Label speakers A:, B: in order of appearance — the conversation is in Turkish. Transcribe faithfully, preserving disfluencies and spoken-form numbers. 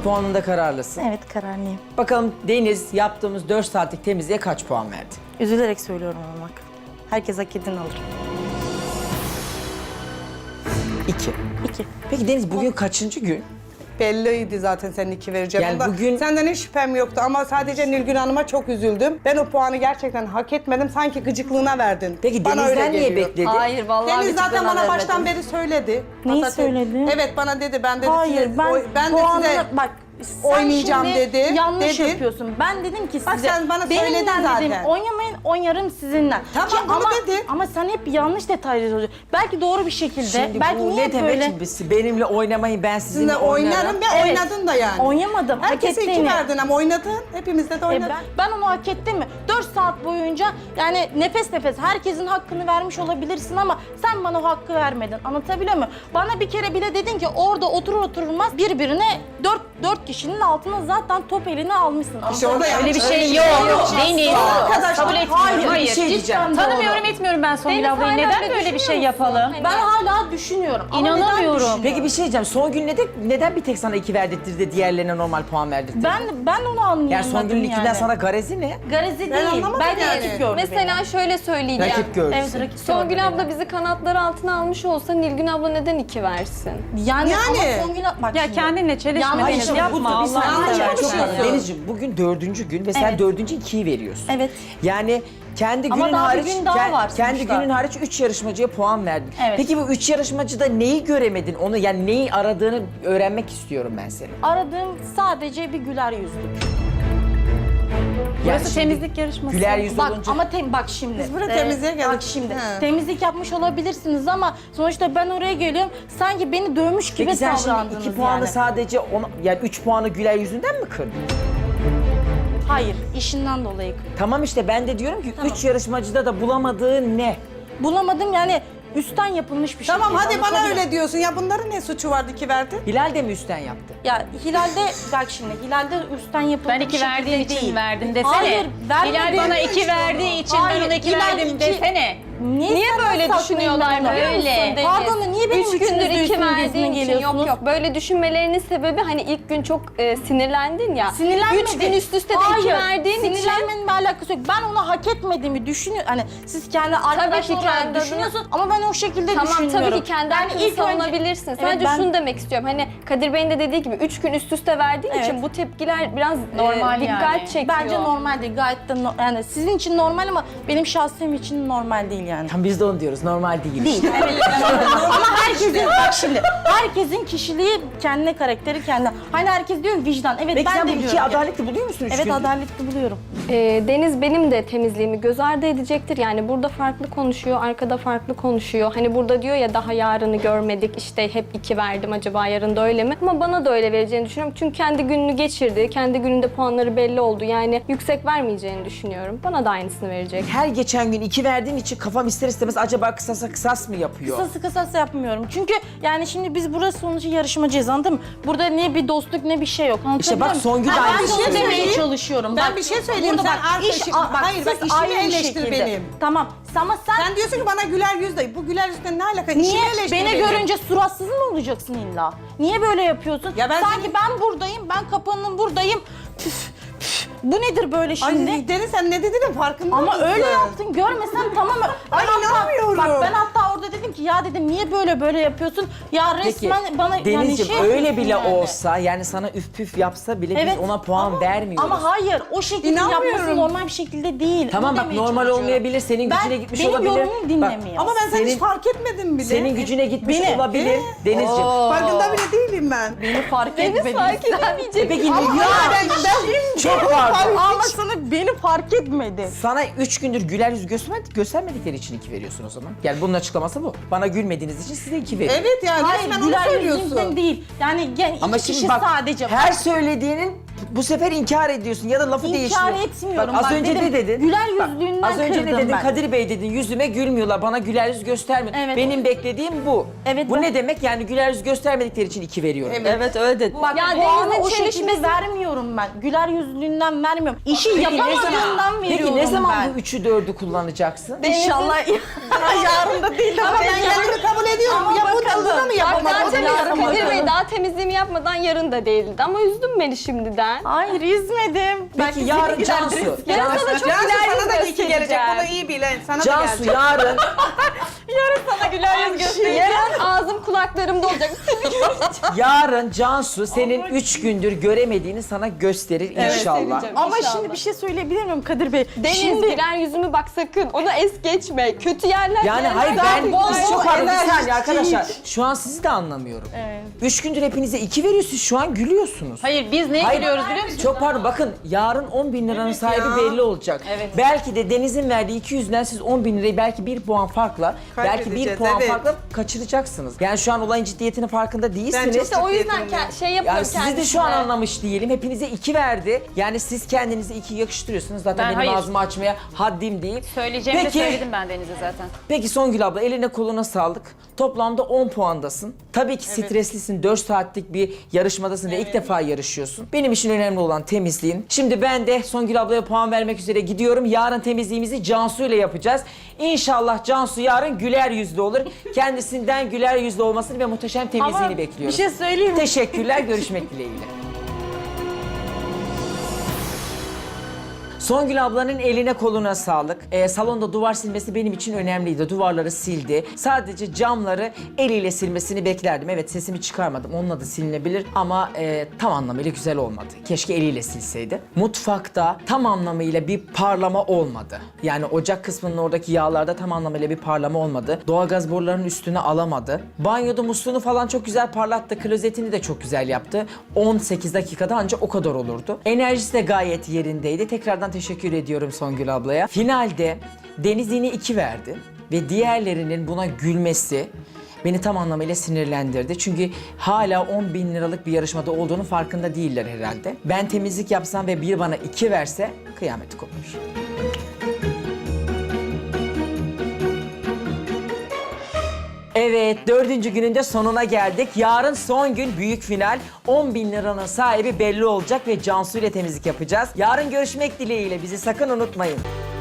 A: puanında kararlısın.
B: Evet, kararlıyım.
A: Bakalım Deniz yaptığımız dört saatlik temizliğe kaç puan verdi?
B: Üzülerek söylüyorum ama bak. Herkes hak edeni alır.
A: İki.
B: İki.
A: Peki Deniz bugün kaçıncı gün?
C: Belliydi zaten senin iki vereceğim.
A: Yani
C: Onda
A: bugün-
C: Senden hiç şüphem yoktu ama sadece Nilgün Hanım'a çok üzüldüm. Ben o puanı gerçekten hak etmedim. Sanki gıcıklığına verdin.
A: Peki
C: Bana öyle
A: Deniz'den niye
C: geliyor.
A: bekledin?
D: Hayır vallahi
C: Deniz zaten
D: gıcıklığına
C: bana baştan
D: vermedim.
C: beri söyledi.
B: Neyi
C: Hatta-
B: söyledi?
C: Evet bana dedi. Ben dedi
B: Hayır,
C: size,
B: ben,
C: oy- ben de
B: puanını-
C: size
B: bak sen
C: oynayacağım
B: şimdi
C: dedi,
B: yanlış
C: dedi.
B: yapıyorsun. Ben dedim ki size,
C: Bak sen bana
B: benimle
C: söyledin
B: dedim,
C: zaten.
B: oynamayın, oynarım sizinle.
C: Tamam,
B: Ki
C: bunu
B: ama,
C: dedi.
B: Ama sen hep yanlış detaylar söylüyorsun. Belki doğru bir şekilde,
A: Şimdi
B: belki
A: bu
B: niye
A: ne demek
B: böyle...
A: şimdi? Benimle oynamayın, ben sizinle
C: sizinle
A: oynarım.
C: oynarım ve
B: Evet.
C: oynadın da yani.
B: Oynamadım, hak
C: Herkese iki
B: ettiğini.
C: verdin ama oynadın. Hepimizde de
B: E
C: oynadın.
B: ben, ben onu hak ettim mi? dört saat boyunca yani nefes nefes herkesin hakkını vermiş olabilirsin ama sen bana o hakkı vermedin. Anlatabiliyor muyum? Bana bir kere bile dedin ki orada oturur oturulmaz birbirine dört, dört kişinin altına zaten top elini almışsın.
C: İşte orada
D: Öyle
C: yanlış-
D: bir şey
C: öyle
D: yok. Deniz.
C: Arkadaşlar,
D: Kabul etmiyorum.
B: hayır,
D: Hayır.
A: bir şey diyeceğim.
B: cidden
D: Tanımıyorum etmiyorum ben Songül
E: Deniz
D: ablayı.
E: hala
D: Neden
E: öyle
D: böyle bir şey
E: düşünüyor musun?
D: yapalım?
E: Hani-
B: Ben hala düşünüyorum. Ama neden
D: İnanamıyorum.
B: düşünüyorum?
A: Peki bir şey diyeceğim. Son gün neden, neden bir tek sana iki verdirtti de diğerlerine normal puan verdirtti?
B: Ben ben onu anlayamadım
A: Yani Songül'ün
B: yani.
A: ikinden sana garezi ne?
B: Garezi
C: Ben
B: değil.
C: anlamadım
B: Ben de
C: yani.
B: rakip gördüm
E: Mesela
B: beni.
E: şöyle söyleyeceğim.
A: Rakip gördü.
B: Evet, rakip gördü
E: Songül
B: beni.
E: abla bizi kanatları altına almış olsa Nilgün abla neden iki versin?
B: Yani,
C: Yani.
B: ama Songül bak
D: Ya
B: şimdi.
D: kendinle çelişme
B: Yanlış
D: Deniz.
B: yapma,
D: Yapma
A: bir
D: Allah'ını
A: saniye,
C: seversen.
A: çok
C: Yani.
A: haklısın. Denizciğim bugün dördüncü gün ve sen
B: Evet.
A: dördüncü ikiyi veriyorsun.
B: Evet.
A: Yani kendi
B: Ama
A: günün
B: daha bir
A: hariç,
B: gün daha
A: ke-
B: var
A: kendi
B: sonuçta.
A: günün hariç üç yarışmacıya puan verdin.
B: Evet.
A: Peki bu üç yarışmacıda neyi göremedin? Onu yani neyi aradığını öğrenmek istiyorum ben senin.
B: Aradığım sadece bir güler yüzlük.
A: Yani
D: Burası
A: şimdi
D: temizlik yarışması.
A: Güler yüz
B: Bak
A: olunca
B: ama tem bak şimdi.
C: Biz buraya temizliğe geldik.
B: Bak şimdi.
C: He.
B: Temizlik yapmış olabilirsiniz ama sonuçta ben oraya geliyorum. Sanki beni dövmüş gibi
A: Peki sen şimdi
B: davrandınız
A: iki puanı
B: yani.
A: sadece ona, yani üç puanı Güler yüzünden mi kırdın?
B: Hayır, işinden dolayı.
A: Tamam işte ben de diyorum ki
B: Tamam.
A: üç yarışmacıda da bulamadığın ne?
B: Bulamadım yani üstten yapılmış bir şey.
C: Tamam
B: değil,
C: hadi bana
B: anlatabiliyor
C: öyle diyorsun. Ya bunların ne suçu vardı ki verdi?
A: Hilal de mi üstten yaptı?
B: Ya Hilal'de bak şimdi Hilal'de üstten yapılmış
D: Ben iki
B: bir şekilde
D: verdiğin için
B: değil.
D: verdim desene.
B: Hayır, vermedim.
D: Hilal bana iki verdiği için
B: Hayır,
D: ben ona iki
B: Hilal
D: verdim
B: iki-
D: desene.
B: Niye,
E: Niye
B: senden
E: böyle
B: saklayayım
E: düşünüyorlar
B: ben onu?
E: biliyor musun Deniz?
B: Pardon niye benim
E: Üç gündür
B: üçünüzü
E: iki
B: üstüme
E: verdiğin
B: gezine
E: için yok
B: geliyorsunuz?
E: yok. Böyle düşünmelerinin sebebi hani ilk gün çok e, sinirlendin ya.
B: Sinirlenmedim.
E: Üç gün üst üste de
B: Hayır,
E: iki verdiğin için.
B: sinirlenmenin bir alakası yok. Ben onu hak etmediğimi düşünüyorum. Hani siz kendi arkadaş
E: ki
B: olarak
E: kendi
B: düşünüyorsun ama ben o şekilde
E: Tamam
B: düşünmüyorum.
E: tabii ki kendi
B: Yani
E: hakkını
B: ilk önce-
E: savunabilirsin.
B: Evet,
E: Sadece
B: ben-
E: şunu demek istiyorum. Hani Kadir Bey'in de dediği gibi üç gün üst üste verdiğin
B: Evet.
E: için bu tepkiler biraz
D: Normal
E: e, dikkat
D: yani.
E: çekiyor.
B: Bence normal değil. Gayet de no- yani sizin için normal ama benim şahsım için normal değil yani.
A: Tam biz de onu diyoruz normal değil.
B: Değil. Evet. Ama herkesin bak şimdi herkesin kişiliği kendine, karakteri kendine. Hani herkes diyor vicdan. Evet
A: Peki
B: ben
A: sen bu
B: de
A: iki
B: diyorum. ki-
A: adaletli buluyor musun üç
B: Evet
A: gündür?
B: adaletli buluyorum.
E: E, Deniz benim de temizliğimi göz ardı edecektir. Yani burada farklı konuşuyor, arkada farklı konuşuyor. Hani burada diyor ya daha yarını görmedik, işte hep iki verdim, acaba yarın da öyle mi? Ama bana da öyle vereceğini düşünüyorum. Çünkü kendi gününü geçirdi, kendi gününde puanları belli oldu. Yani yüksek vermeyeceğini düşünüyorum. Bana da aynısını verecek.
A: Her geçen gün iki verdiğin için kafam ister istemez acaba kısasa kısas mı yapıyor?
B: Kısası kısası yapmıyorum. Çünkü yani şimdi biz burası sonucu yarışmacıyız anladın mı? Burada ne bir dostluk ne bir şey yok.
A: İşte bak
B: Anlatabiliyor muyum?
A: Songül de
B: Ha,
A: aynı
B: ben de
A: şeyi
B: onu demeye
C: söyleyeyim.
B: çalışıyorum.
C: Ben
B: Bak,
C: bir şey söyleyeyim.
B: burada
C: Sen
B: bak,
C: artık-
B: iş-
C: Aa, hayır, bak,
B: siz
C: işimi
B: aynı
C: eleştir
B: şekilde.
C: benim.
B: Tamam ama sen,
C: Sen diyorsun ki bana güler yüz de. Bu güler yüzle ne alaka?
B: niye
C: İşimi eleştir
B: beni
C: benim.
B: görünce suratsız mı olacaksın illa? Niye böyle yapıyorsun?
C: Ya ben
B: Sanki
C: seni-
B: ben buradayım, ben kapının buradayım. Püf, püf. Bu nedir böyle şimdi?
C: Ay Deniz sen ne dediğinin farkında
B: Ama
C: mısın?
B: öyle yaptın görmesen tamam.
C: Ay,
B: Ben hatta-
C: inanmıyorum.
B: Bak ben hatta orada dedim ki ya dedim niye böyle böyle yapıyorsun? Ya
A: Peki
B: resmen bana yani
A: Denizciğim
B: şey
A: öyle
B: yapıyorsun
A: bile
B: yani.
A: olsa yani sana üf püf yapsa bile
B: Evet,
A: biz ona puan
B: ama-
A: vermiyoruz.
B: Ama hayır o şekilde
C: İnanmıyorum.
B: yapması normal bir şekilde değil.
A: Tamam
B: Onu
A: bak
B: demeye
A: normal
B: çalışıyorum.
A: olmayabilir, senin
B: Ben-
A: gücüne gitmiş
B: benim
A: olabilir.
B: yorumumu
A: Bak,
B: dinlemiyor.
C: Ama ben seni
A: Senin-
C: hiç fark etmedim bile.
A: Senin gücüne gitmiş
B: Beni-
A: olabilir Denizciğim.
C: Farkında bile değilim ben.
B: Beni fark etmedin.
E: fark edemeyecek.
A: E peki
C: Ama
A: ya,
C: ben, ben
A: çok pardon.
B: Ama sana beni fark etmedi.
A: Sana üç gündür güler yüz göstermedik, göstermedikleri için iki veriyorsun o zaman. Yani bunun açıklaması bu. Bana gülmediğiniz için size iki veriyorum.
C: Evet yani
B: Hayır
C: resmen onu
B: güler
C: söylüyorsun.
B: yüzünden değil. Yani gen,
A: Ama
B: iki
A: şimdi
B: kişi
A: bak
B: sadece.
A: her söylediğinin bu sefer inkar ediyorsun ya da lafı
B: İnkar
A: değiştiriyorsun.
B: etmiyorum.
A: Bak, az
B: Bak
A: önce
B: dedim,
A: ne dedin?
B: güler
A: Bak,
B: yüzlüğünden
A: az önce ne
B: kırdım
A: dedin?
B: ben.
A: Kadir Bey dedin, yüzüme gülmüyorlar, bana güler yüz göstermiyor.
B: Evet.
A: Benim beklediğim bu.
B: Evet,
A: bu
B: ben-
A: ne demek? Yani güler yüz göstermedikleri için iki veriyorum.
C: Evet.
D: Evet öyle dedi.
B: Bak
E: Ya
B: puanı
E: Deniz'in
B: o şekilde
E: çelişmesi-
B: vermiyorum ben. Güler yüzlüğünden vermiyorum. İşi
A: Peki ne zaman,
B: yapamadığından veriyorum
A: peki ne zaman
B: ben.
A: bu üçü dördü kullanacaksın?
B: İnşallah yarın da değil
C: Ama ben kendimi kabul ediyorum.
B: Ama
C: ya bu da
B: bakalım.
C: bunu da mı yapamadım?
E: Zaten
B: Yarın
E: biz Kadir
B: bakalım.
E: Bey daha daha temizliğimi yapmadan yarın da değildi ama üzdün beni şimdiden.
B: Hayır üzmedim.
A: Peki yarın Cansu.
E: Yarın
A: Cansu,
E: sana çok
C: Cansu
E: güler yüz
C: sana da iyi ki gelecek.
E: göstereceğim.
C: Bunu iyi bilen. Sana da
A: Cansu
C: gelecek.
A: yarın
E: Sana güler yüz göstereceğim. Yarın ağzım kulaklarımda olacak.
A: yarın Cansu senin üç gündür göremediğini sana gösterir inşallah.
E: göstereceğim.
B: Ama
E: İnşallah.
B: şimdi bir şey söyleyebilir miyim Kadir Bey?
E: Deniz
B: Şimdi
E: güler yüzümü bak sakın. Onu es geçme. Kötü yerler.
A: Yani
E: yerler-
A: hayır ben
E: Bol
A: biz
E: bol
A: çok pardon bir
C: enerji
A: saniye arkadaşlar.
C: hiç.
A: Şu an sizi de anlamıyorum.
B: Evet.
A: Üç gündür hepinize iki veriyorsunuz şu an gülüyorsunuz.
D: Hayır biz neye
A: Hayır,
D: gülüyoruz biliyor musun?
A: Çok pardon bakın yarın on bin liranın sahibi
C: ya.
A: belli olacak.
D: Evet.
A: Belki de Deniz'in verdiği iki yüzden siz on bin lirayı belki bir puan farkla, belki bir
C: Kaybedeceğiz,
A: puan
C: evet.
A: farkla kaçıracaksınız. Yani şu an olayın ciddiyetinin farkında değilsiniz.
C: çok
E: İşte o yüzden
C: Ciddiyetini
E: ke- şey yapıyorum
A: Yani sizi de şu an
E: kendisine.
A: anlamış değilim. Hepinize iki verdi. Yani siz kendinize iki yakıştırıyorsunuz. Zaten
D: Ben
A: benim
D: hayır.
A: ağzımı açmaya haddim değil.
D: Söyleyeceğimi
A: Peki.
D: de söyledim ben Deniz'e zaten.
A: Peki Songül abla eline koluna sağlık. Toplamda on puandasın. Tabii ki streslisin. dört saatlik bir yarışmadasın ve ilk defa yarışıyorsun. Benim için önemli olan temizliğin. Şimdi ben de Songül ablaya puan vermek üzere gidiyorum. Yarın temizliğimizi Cansu ile yapacağız. İnşallah Cansu yarın güler yüzlü olur. Kendisinden güler yüzlü olmasını ve muhteşem temizliğini
B: ama bir
A: bekliyoruz.
B: şey söyleyeyim mi?
A: Teşekkürler. Görüşmek dileğiyle. Songül ablanın eline koluna sağlık. Ee, salonda duvar silmesi benim için önemliydi. Duvarları sildi. Sadece camları eliyle silmesini beklerdim. Evet sesimi çıkarmadım. Onunla da silinebilir ama e, tam anlamıyla güzel olmadı. Keşke eliyle silseydi. Mutfakta tam anlamıyla bir parlama olmadı. Yani ocak kısmının oradaki yağlarda tam anlamıyla bir parlama olmadı. Doğalgaz borularının üstüne alamadı. Banyoda musluğunu falan çok güzel parlattı. Klozetini de çok güzel yaptı. on sekiz dakikada ancak o kadar olurdu. Enerjisi de gayet yerindeydi. Tekrardan teşekkür ediyorum Songül ablaya. Finalde Deniz yine iki verdi ve diğerlerinin buna gülmesi beni tam anlamıyla sinirlendirdi. Çünkü hala on bin liralık bir yarışmada olduğunu farkında değiller herhalde. Ben temizlik yapsam ve bir bana iki verse kıyameti kopmuş. Evet, dördüncü günün de sonuna geldik. Yarın son gün büyük final. on bin liranın sahibi belli olacak ve Cansu ile temizlik yapacağız. Yarın görüşmek dileğiyle. Bizi sakın unutmayın.